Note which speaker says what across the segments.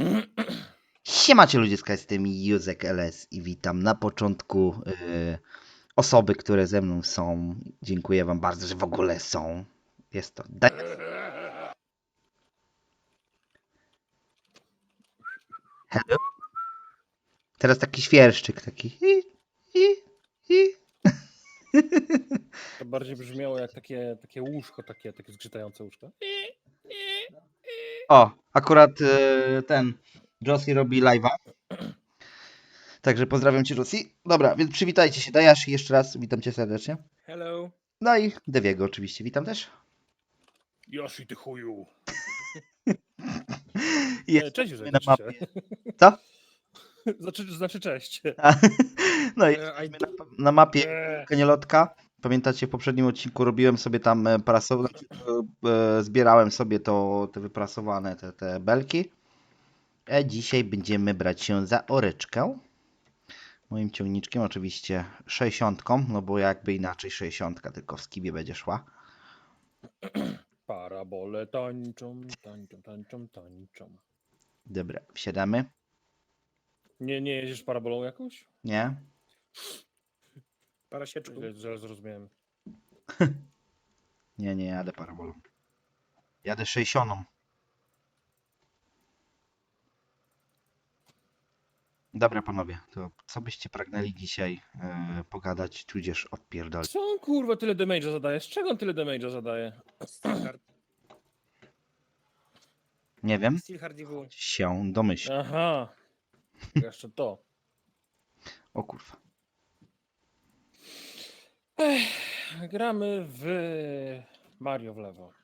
Speaker 1: Siemacie ludziska, jestem Józek LS i witam na początku osoby, które ze mną są. Dziękuję wam bardzo, że w ogóle są. Jest to Hello. Teraz taki świerszczyk, taki hi.
Speaker 2: To bardziej brzmiało jak takie łóżko, takie zgrzytające łóżko.
Speaker 1: O, akurat ten Josie robi live'a. Także pozdrawiam cię, Josie. Dobra, więc przywitajcie się. Dajasz jeszcze raz, witam cię serdecznie.
Speaker 2: Hello.
Speaker 1: No i Deviego oczywiście, witam też.
Speaker 2: Yoshi, ty chuju. Cześć
Speaker 1: Jesteśmy
Speaker 2: Józek,
Speaker 1: na
Speaker 2: znaczy się.
Speaker 1: mapie. Co?
Speaker 2: Znaczy cześć.
Speaker 1: No i jesteśmy na mapie Kaniolotka. Pamiętacie, w poprzednim odcinku robiłem sobie tam zbierałem sobie te wyprasowane te belki. A dzisiaj będziemy brać się za oreczkę. Moim ciągniczkiem oczywiście 60, no bo jakby inaczej 60, tylko w skibie będzie szła.
Speaker 2: Parabole tańczą.
Speaker 1: Dobra, wsiadamy.
Speaker 2: Nie jedziesz parabolą jakąś?
Speaker 1: Nie?
Speaker 2: Parasieczką. Źle zrozumiałem.
Speaker 1: Nie jadę parabolą. Jadę 60. Dobra panowie, to co byście pragnęli dzisiaj pogadać, tudzież odpierdolić?
Speaker 2: Co on kurwa tyle damage'a zadaje? Z czego on tyle damage'a zadaje?
Speaker 1: Nie wiem.
Speaker 3: Steelhard DW.
Speaker 1: Się domyśl.
Speaker 2: Aha. Jeszcze to.
Speaker 1: O kurwa.
Speaker 2: Gramy w Mario w lewo.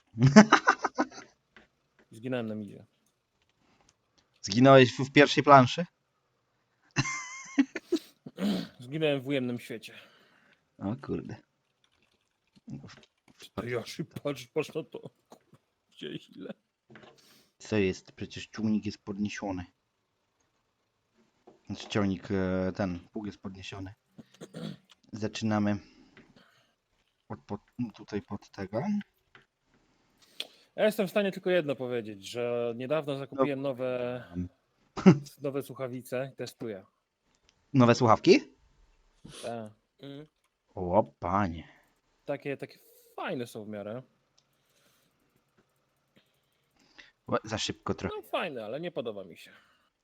Speaker 2: Zginąłem na midzie.
Speaker 1: Zginąłeś w pierwszej planszy?
Speaker 2: Zginąłem w ujemnym świecie.
Speaker 1: O kurde.
Speaker 2: Yoshi, patrz na to. Gdzieś ile?
Speaker 1: Co jest? Przecież ciągnik jest podniesiony. Znaczy ciągnik, pług jest podniesiony. Zaczynamy tutaj pod tego.
Speaker 2: Ja jestem w stanie tylko jedno powiedzieć, że niedawno zakupiłem nowe słuchawice i testuję.
Speaker 1: Nowe słuchawki?
Speaker 2: Tak.
Speaker 1: O panie.
Speaker 2: Takie fajne są w miarę.
Speaker 1: Za szybko trochę.
Speaker 2: No fajne, ale nie podoba mi się.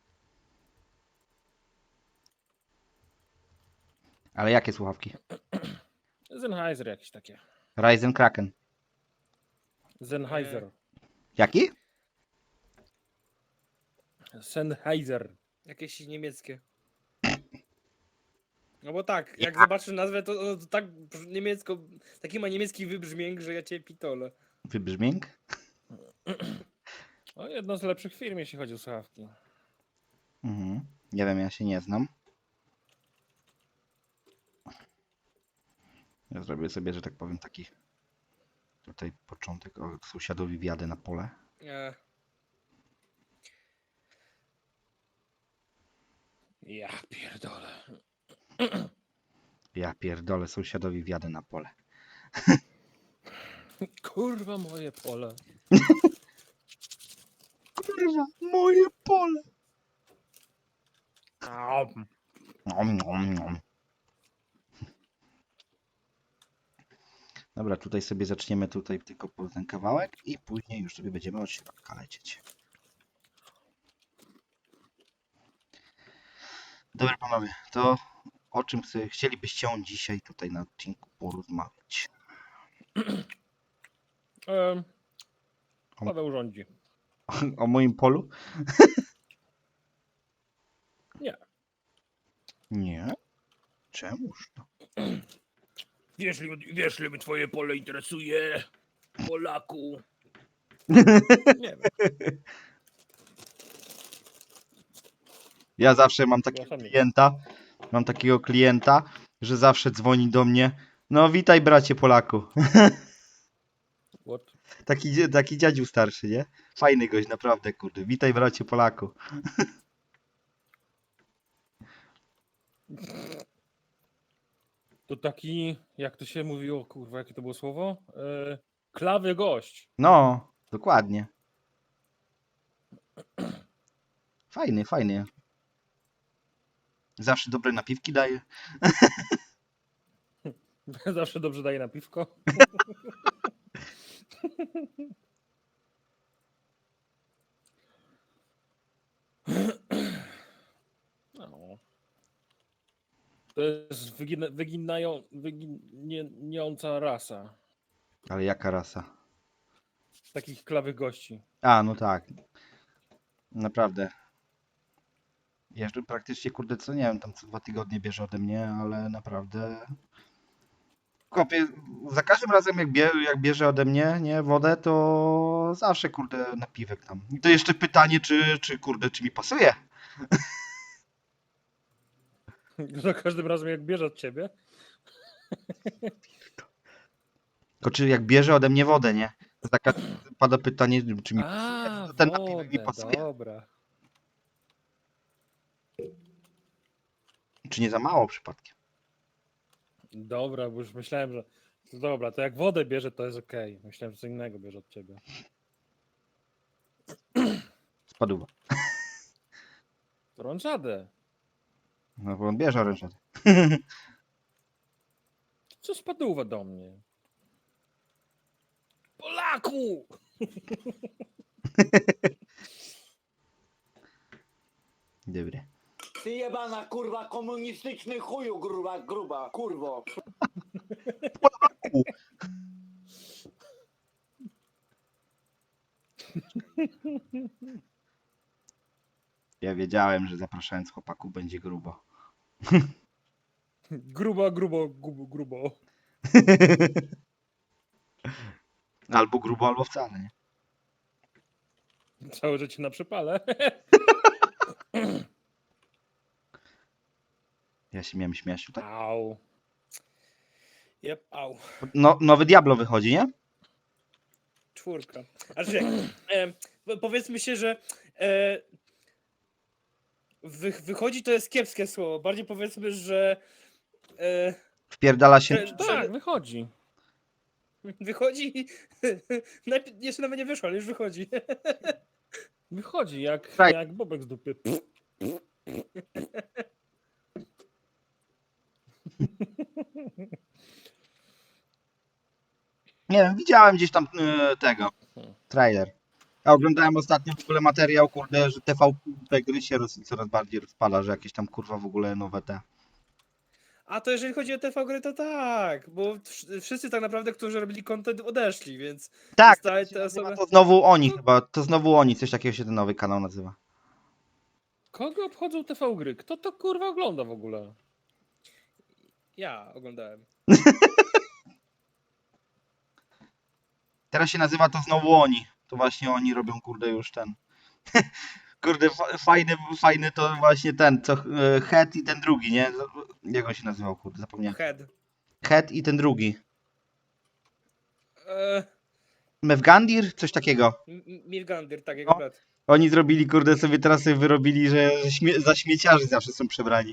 Speaker 1: Ale jakie słuchawki?
Speaker 2: Sennheiser jakieś takie.
Speaker 1: Ryzen Kraken.
Speaker 2: Sennheiser.
Speaker 1: Jaki?
Speaker 2: Sennheiser.
Speaker 3: Jakieś niemieckie. No bo tak, jak zobaczysz nazwę, to tak niemiecko, taki ma niemiecki wybrzmięk, że ja cię pitolę.
Speaker 1: Wybrzmięk?
Speaker 2: No, jedno z lepszych firm, jeśli chodzi o słuchawki.
Speaker 1: Mhm. Nie wiem, ja się nie znam. Ja zrobię sobie, że tak powiem, taki tutaj początek. O, sąsiadowi wjadę na pole.
Speaker 2: Ja pierdolę.
Speaker 1: Ja pierdolę, sąsiadowi wjadę na pole.
Speaker 2: Kurwa moje pole.
Speaker 1: Kurwa, moje pole. Dobra, tutaj sobie zaczniemy tutaj tylko po ten kawałek i później już sobie będziemy od środka lecieć. Dobra panowie, to o czym chcielibyście dzisiaj tutaj na odcinku porozmawiać?
Speaker 2: Paweł rządzi.
Speaker 1: O moim polu?
Speaker 2: Nie.
Speaker 1: Nie? Czemuż to?
Speaker 2: Wiesz, ile mnie twoje pole interesuje, Polaku? Nie wiem.
Speaker 1: Ja zawsze mam takiego klienta, że zawsze dzwoni do mnie. No witaj bracie Polaku.
Speaker 2: What?
Speaker 1: Taki dziadziu starszy, nie? Fajny gość, naprawdę, kurde. Witaj bracie Polaku.
Speaker 2: To taki, jak to się mówiło, kurwa, jakie to było słowo? Klawy gość.
Speaker 1: No, dokładnie. Fajny, fajny. Zawsze dobre napiwki daje.
Speaker 2: Zawsze dobrze daje na piwko. No. To jest wyginiająca rasa
Speaker 1: Ale jaka rasa?
Speaker 2: takich klawych gości.
Speaker 1: A, no tak. Naprawdę. Jeżdżę praktycznie, kurde, co nie wiem, tam co 2 tygodnie bierze ode mnie, ale naprawdę. Kopie, za każdym razem jak bierze ode mnie, nie, wodę, to zawsze, kurde, napiwek tam. I to jeszcze pytanie, kurde, czy mi pasuje?
Speaker 2: Za każdym razem jak bierze od ciebie.
Speaker 1: Tylko czy jak bierze ode mnie wodę, nie? To taka pada pytanie, czy mi pasuje,
Speaker 2: A,
Speaker 1: to ten napiwek mi
Speaker 2: wodę,
Speaker 1: pasuje.
Speaker 2: dobra.
Speaker 1: Czy nie za mało przypadkiem?
Speaker 2: Dobra, bo już myślałem, że to dobra, to jak wodę bierze, to jest okej. Myślałem, że co innego bierze od ciebie.
Speaker 1: Spadła.
Speaker 2: Orężadę.
Speaker 1: No bo on bierze orężadę.
Speaker 2: Co spadło do mnie? Polaku!
Speaker 1: Dobry.
Speaker 4: Ty jebana kurwa komunistyczny chuju gruba kurwo.
Speaker 1: Ja wiedziałem, że zapraszając chłopaków będzie grubo.
Speaker 2: Grubo.
Speaker 1: Albo grubo, albo wcale, nie?
Speaker 2: Całe życie na przypale.
Speaker 1: Ja się miałem śmiać tutaj.
Speaker 2: Au.
Speaker 3: Jep, au.
Speaker 1: No, nowy Diablo wychodzi, nie?
Speaker 3: 4. Znaczy, powiedzmy się, że wychodzi to jest kiepskie słowo. Bardziej powiedzmy, że
Speaker 1: Wpierdala się.
Speaker 3: Że-
Speaker 2: Tak, wychodzi.
Speaker 3: wychodzi. Jeszcze nawet nie wyszło, ale już wychodzi.
Speaker 2: Wychodzi jak,
Speaker 1: Tak.
Speaker 2: jak bobek z dupy.
Speaker 1: Nie wiem, widziałem gdzieś tam tego. Trailer. Ja oglądałem ostatnio w ogóle materiał, kurde, że TVP gry się coraz bardziej rozpala, że jakieś tam kurwa w ogóle nowe te.
Speaker 3: A to jeżeli chodzi o TV gry, to tak, bo wszyscy tak naprawdę, którzy robili content, odeszli, więc
Speaker 1: Tak,
Speaker 3: zostały
Speaker 1: to,
Speaker 3: te osoby.
Speaker 1: to znowu oni chyba, to znowu oni, coś takiego się ten nowy kanał nazywa.
Speaker 2: Kogo obchodzą TV gry? Kto to kurwa ogląda w ogóle?
Speaker 3: Ja oglądałem.
Speaker 1: Teraz się nazywa to znowu oni. To właśnie oni robią, kurde, już ten. Kurde, fajny to właśnie ten, co Head i ten drugi, nie? Jak on się nazywał, kurde, zapomniałem.
Speaker 3: Head.
Speaker 1: Head i ten drugi.
Speaker 3: E,
Speaker 1: Mevgandir? Coś takiego.
Speaker 3: Milgandir, tak, jego
Speaker 1: No.
Speaker 3: brat.
Speaker 1: Oni zrobili, kurde, teraz sobie wyrobili, że za śmieciarzy zawsze są przebrani.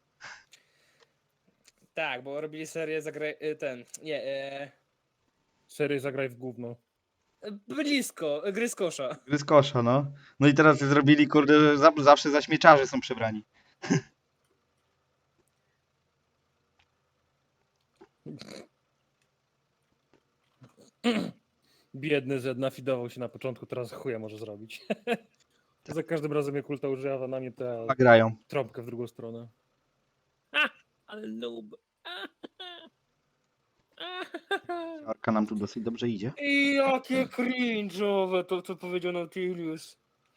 Speaker 3: Tak, bo robili serię ten. Nie,
Speaker 2: Serię zagraj w gówno.
Speaker 3: blisko, gry z kosza.
Speaker 1: Gry z kosza, no. No i teraz zrobili, kurde, że zawsze za śmieciarzy są przebrani.
Speaker 2: Biedny Zed nafidował się na początku, teraz chuja może zrobić. Za każdym razem jak kulta używa na mnie tę
Speaker 1: A grają.
Speaker 2: trąbkę w drugą stronę. Ale noob.
Speaker 1: Arka nam tu dosyć dobrze idzie.
Speaker 3: I jakie cringe'owe to, co powiedział Nautilus.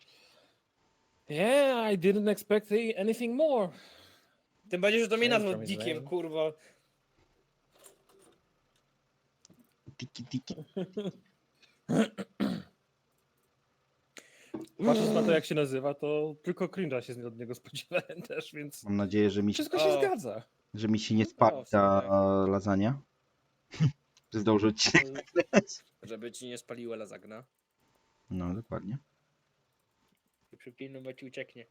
Speaker 2: Yeah, I didn't expect anything more.
Speaker 3: Tym bardziej, że to mnie nazwał
Speaker 2: Centrum is
Speaker 3: dikiem,
Speaker 2: there.
Speaker 3: kurwa.
Speaker 1: Tiki.
Speaker 2: Patrząc na to, jak się nazywa, to tylko cringe'a się od niego spodziewałem też, więc
Speaker 1: Mam nadzieję, że
Speaker 2: wszystko się
Speaker 3: O.
Speaker 2: zgadza.
Speaker 1: że mi się nie spali
Speaker 3: O,
Speaker 1: ta
Speaker 3: super.
Speaker 1: lasagna. Że zdążę odcinek nagrać.
Speaker 3: Żeby ci nie spaliła lazagna.
Speaker 1: No, dokładnie.
Speaker 3: I przypilnować ci ucieknie.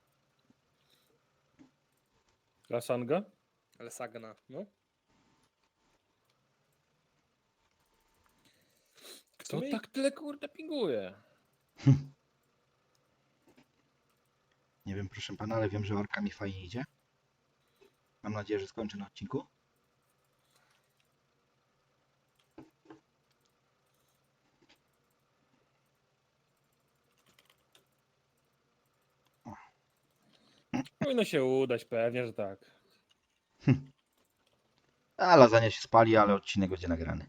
Speaker 2: Lasanga?
Speaker 3: Ale sagna, no.
Speaker 2: Kto
Speaker 3: sumie-
Speaker 2: tak tyle kurde pinguje?
Speaker 1: Nie wiem, proszę pana, ale wiem, że orka mi fajnie idzie. Mam nadzieję, że skończę na odcinku.
Speaker 2: Powinno się udać, pewnie, że tak.
Speaker 1: A lasagna się spali, ale odcinek będzie nagrany.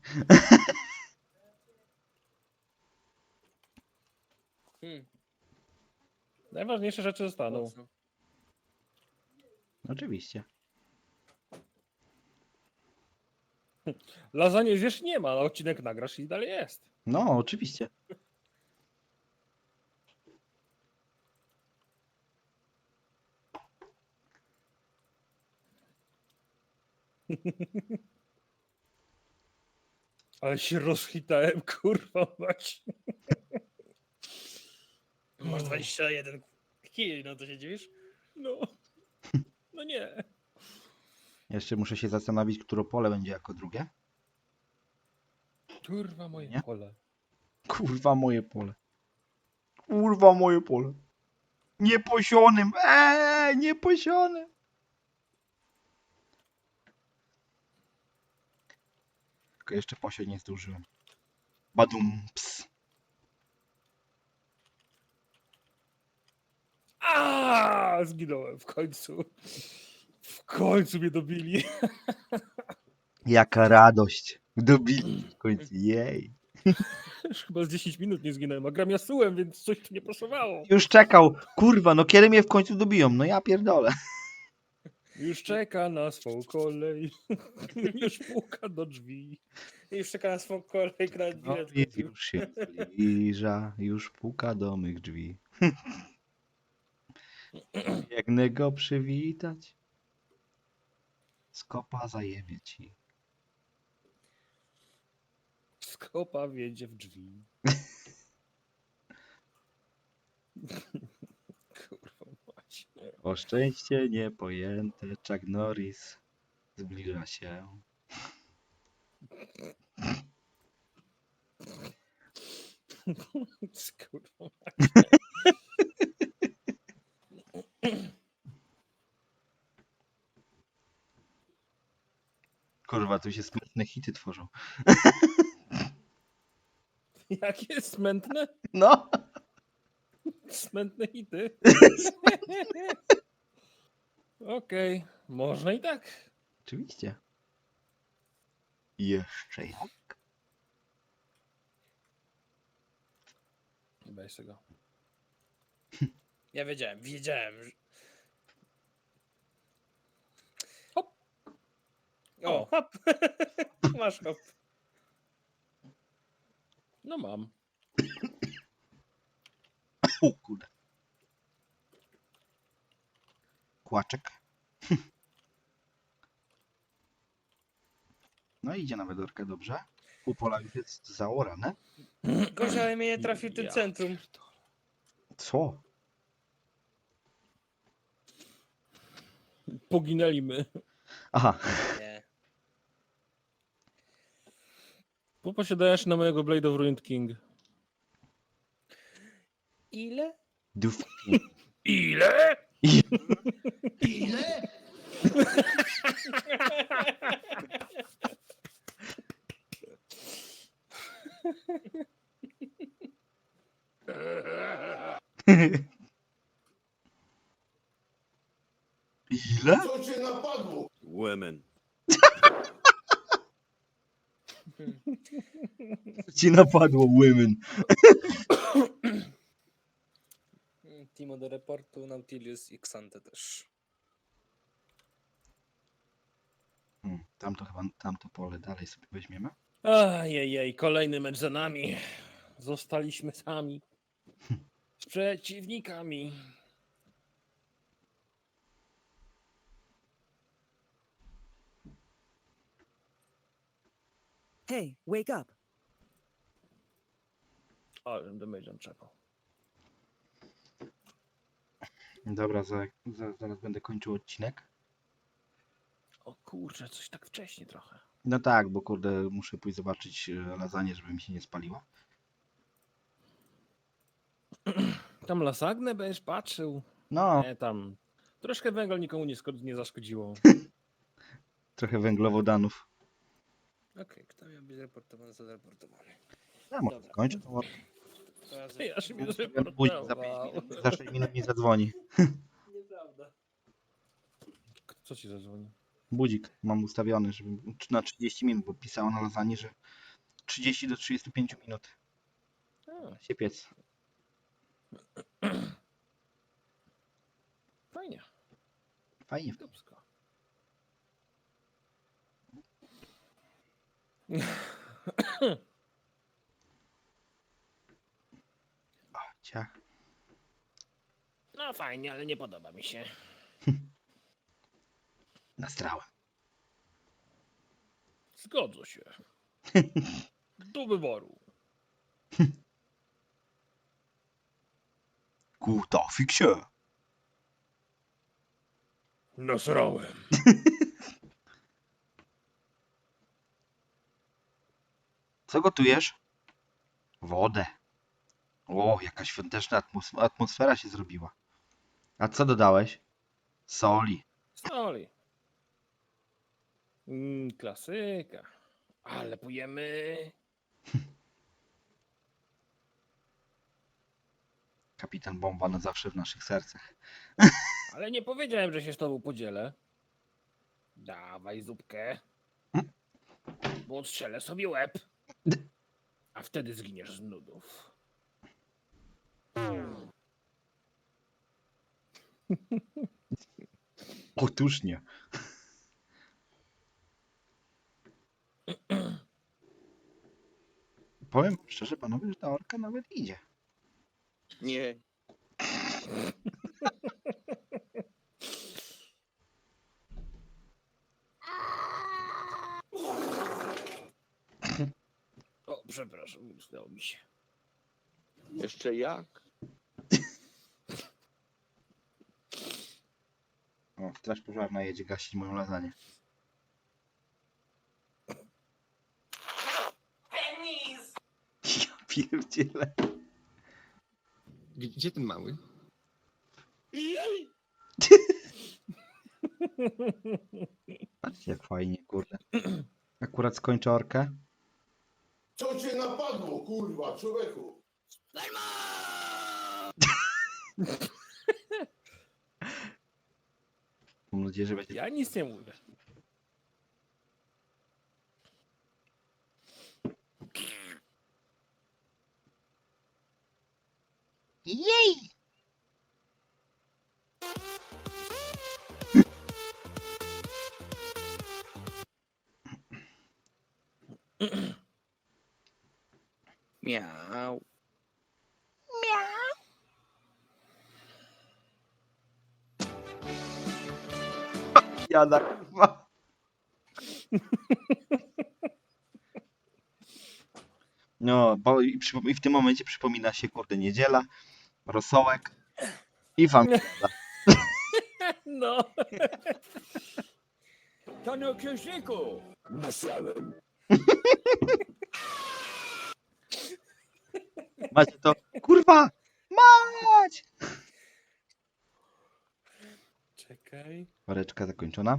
Speaker 3: Hmm.
Speaker 2: Najważniejsze rzeczy zostaną.
Speaker 3: Po co?
Speaker 1: Oczywiście.
Speaker 2: Lasagne zjesz nie ma, ale odcinek nagrasz i dalej jest.
Speaker 1: No, oczywiście.
Speaker 2: Ale się rozchitałem, kurwa mać.
Speaker 3: Masz 21 kili, no to się dziwisz?
Speaker 2: No. No nie.
Speaker 1: Jeszcze muszę się zastanowić, które pole będzie jako drugie.
Speaker 2: Kurwa moje
Speaker 1: Nie?
Speaker 2: pole.
Speaker 1: Kurwa moje pole. Kurwa moje pole. Nieposionym. Nieposionym. Tylko jeszcze posiać nie zdążyłem. Badum, ps.
Speaker 2: Zginąłem w końcu. W końcu mnie dobili.
Speaker 1: Jaka radość. Dobili w końcu. Jej.
Speaker 2: Już chyba z 10 minut nie zginąłem, a gram Yasułem, więc coś tu nie pasowało.
Speaker 1: Już czekał. Kurwa, no kiedy mnie w końcu dobiją? No ja pierdolę.
Speaker 2: Już czeka na swą kolej. Już puka do drzwi.
Speaker 3: I już czeka na swą kolejkę na
Speaker 1: No
Speaker 3: bilet.
Speaker 1: i już się zbliża. Już puka do mych drzwi. Biegnę go przywitać. Skopa zajebie ci.
Speaker 2: Skopa wiedzie w drzwi. Kurwa mać.
Speaker 1: O szczęście niepojęte, Chuck Norris zbliża się.
Speaker 2: Kurwa.
Speaker 1: Kurwa, tu się smutne hity tworzą.
Speaker 2: Jakie smętne?
Speaker 1: No.
Speaker 2: Smętne hity. Okej, można i tak.
Speaker 1: Oczywiście. Jeszcze jak.
Speaker 2: Weź tego.
Speaker 3: Ja wiedziałem.
Speaker 2: Hop.
Speaker 3: O, hop. Masz hop.
Speaker 2: No mam.
Speaker 1: O kurde. Kłaczek. No idzie nawet orka dobrze. U pola już jest zaorane.
Speaker 3: Gorzej, ale mnie nie trafił ten
Speaker 2: Ja
Speaker 3: centrum.
Speaker 1: Co?
Speaker 2: Poginęli my.
Speaker 1: Aha.
Speaker 3: Nie.
Speaker 2: Poposiadajesz na mojego Blade of Ruined King.
Speaker 3: Ile?
Speaker 1: Duf.
Speaker 2: Ile?
Speaker 4: Ile?
Speaker 1: Ile?
Speaker 4: Co cię napadło?
Speaker 5: Women.
Speaker 1: Ci napadło women.
Speaker 3: Timo do reportu, Nautilus i Xante też.
Speaker 1: Tamto chyba, tamto pole dalej sobie weźmiemy.
Speaker 2: Ajajaj, kolejny mecz za nami. Zostaliśmy sami. Z przeciwnikami.
Speaker 6: Hey, wake up.
Speaker 2: Ale damage'em czekał.
Speaker 1: Dobra, zaraz będę kończył odcinek.
Speaker 2: O kurczę, coś tak wcześnie trochę.
Speaker 1: No tak, bo kurde, muszę pójść zobaczyć lasagne, żeby mi się nie spaliła.
Speaker 2: Tam lasagne będziesz patrzył.
Speaker 1: No,
Speaker 2: Nie, tam. Troszkę węgla nikomu nie zaszkodziło.
Speaker 1: trochę węglowodanów.
Speaker 3: Okej, kto miał być reportowany, zareportowany.
Speaker 1: Ja może
Speaker 3: Dobra.
Speaker 1: skończę tą orkę.
Speaker 2: Ja się mnie
Speaker 1: Ustawiam budzik za 5
Speaker 2: zreportował.
Speaker 1: minut, za 6 minut mi zadzwoni.
Speaker 3: Nieprawda.
Speaker 2: Co ci zadzwoni?
Speaker 1: Budzik mam ustawiony, żeby na 30 minut, bo pisało na lasagne, że 30 do 35 minut
Speaker 2: A,
Speaker 1: się piec.
Speaker 2: fajnie.
Speaker 1: Fajnie.
Speaker 2: Dupsko.
Speaker 1: Ciach.
Speaker 2: No fajnie, ale nie podoba mi się.
Speaker 1: Nastrałem.
Speaker 2: Zgodzę się. Do wyboru.
Speaker 1: Kuta, fiksie.
Speaker 2: Nasrałem.
Speaker 1: Co gotujesz? Wodę. O, jaka świąteczna atmosfera się zrobiła. A co dodałeś? Soli.
Speaker 2: Soli. Klasyka. Ale pojemy.
Speaker 1: Kapitan Bomba na zawsze w naszych sercach.
Speaker 2: Ale nie powiedziałem, że się z tobą podzielę. Dawaj zupkę. Bo odstrzelę sobie łeb. A wtedy zginiesz z nudów.
Speaker 1: Otóż nie. Powiem szczerze panowie, że ta orka nawet idzie.
Speaker 4: Nie.
Speaker 2: O, przepraszam, udało mi się.
Speaker 4: Jeszcze jak?
Speaker 1: O, straż pożarna jedzie gasić moją lasagne. Ja pierdzielę.
Speaker 5: Gdzie ten mały?
Speaker 1: Patrzcie jak fajnie, kurde. Akurat skończę orkę.
Speaker 6: Co cię napadło, kurwa, człowieku?
Speaker 1: Mam nadzieję, że będzie...
Speaker 2: Ja nic nie mówię.
Speaker 1: Jej!
Speaker 4: Miau.
Speaker 1: Jada, kurwa. No, bo i w tym momencie przypomina się, kurde, niedziela, rosołek i familia.
Speaker 2: No.
Speaker 4: Panie księżniku! Nasrałem.
Speaker 1: Macie to, kurwa, mać!
Speaker 2: Czekaj.
Speaker 1: Woreczka zakończona.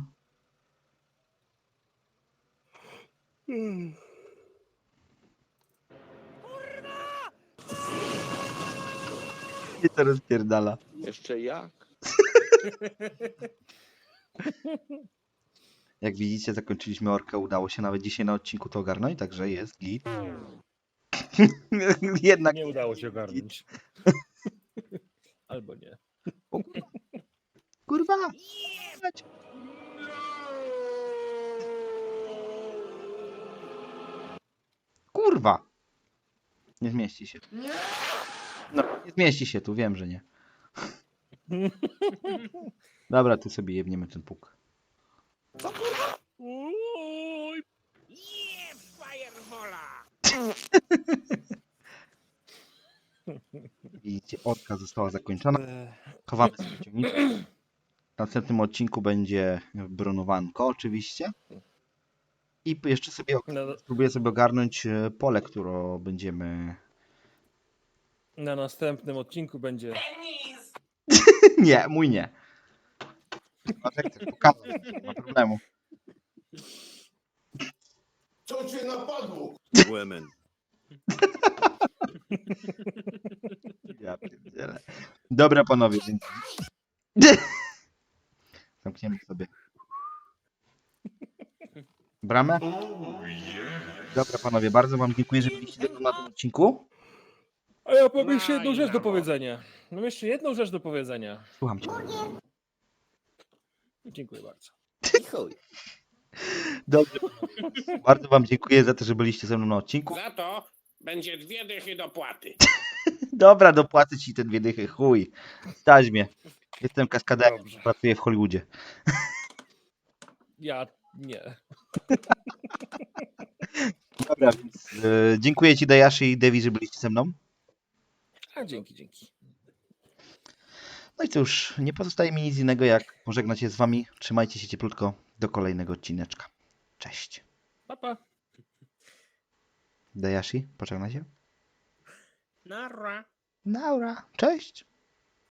Speaker 1: I to rozpierdala.
Speaker 4: Jeszcze jak?
Speaker 1: Jak widzicie, zakończyliśmy orkę. Udało się nawet dzisiaj na odcinku to ogarnąć, także jest git. Jednak
Speaker 2: Nie udało się ogarnąć. Albo nie.
Speaker 1: kurwa! Mać. Kurwa! Nie zmieści się. No, nie zmieści się tu, wiem, że nie. Dobra, tu sobie jebniemy ten puk.
Speaker 2: Oj,
Speaker 1: Widzicie, orka została zakończona. Chowamy sobie ciągniczkę. W następnym odcinku będzie bronowanko oczywiście. I jeszcze sobie spróbuję sobie ogarnąć pole, które będziemy...
Speaker 2: na następnym odcinku będzie
Speaker 1: Nie, mój nie. Patrz, jak chcesz pokazać, nie ma problemu.
Speaker 6: Co cię napadło?
Speaker 5: Women.
Speaker 1: Ja pierdzielę. Dobra, panowie, dzięki. Zamkniemy sobie bramę. Dobra, panowie, bardzo wam dziękuję, że byliście ze mną na tym odcinku.
Speaker 2: A ja mam jeszcze jedną rzecz do powiedzenia. Mam jeszcze jedną rzecz do powiedzenia.
Speaker 1: Słucham cię.
Speaker 2: Dziękuję bardzo.
Speaker 1: Dobrze. Bardzo wam dziękuję za to, że byliście ze mną na odcinku.
Speaker 7: Za to będzie 2 dychy dopłaty.
Speaker 1: Dobra, dopłacę ci te 2 dychy, chuj. Stać mnie. Jestem kaskaderem,
Speaker 2: Dobrze.
Speaker 1: pracuję w Hollywoodzie.
Speaker 2: Ja nie.
Speaker 1: Dobra, więc dziękuję ci, Dayashi i Devi, że byliście ze mną.
Speaker 2: A dzięki.
Speaker 1: No i cóż, nie pozostaje mi nic innego, jak pożegnać się z wami. Trzymajcie się cieplutko do kolejnego odcineczka. Cześć.
Speaker 2: Pa, pa.
Speaker 1: Dayashi, pożegnaj się.
Speaker 3: Nara.
Speaker 1: Naura. Cześć.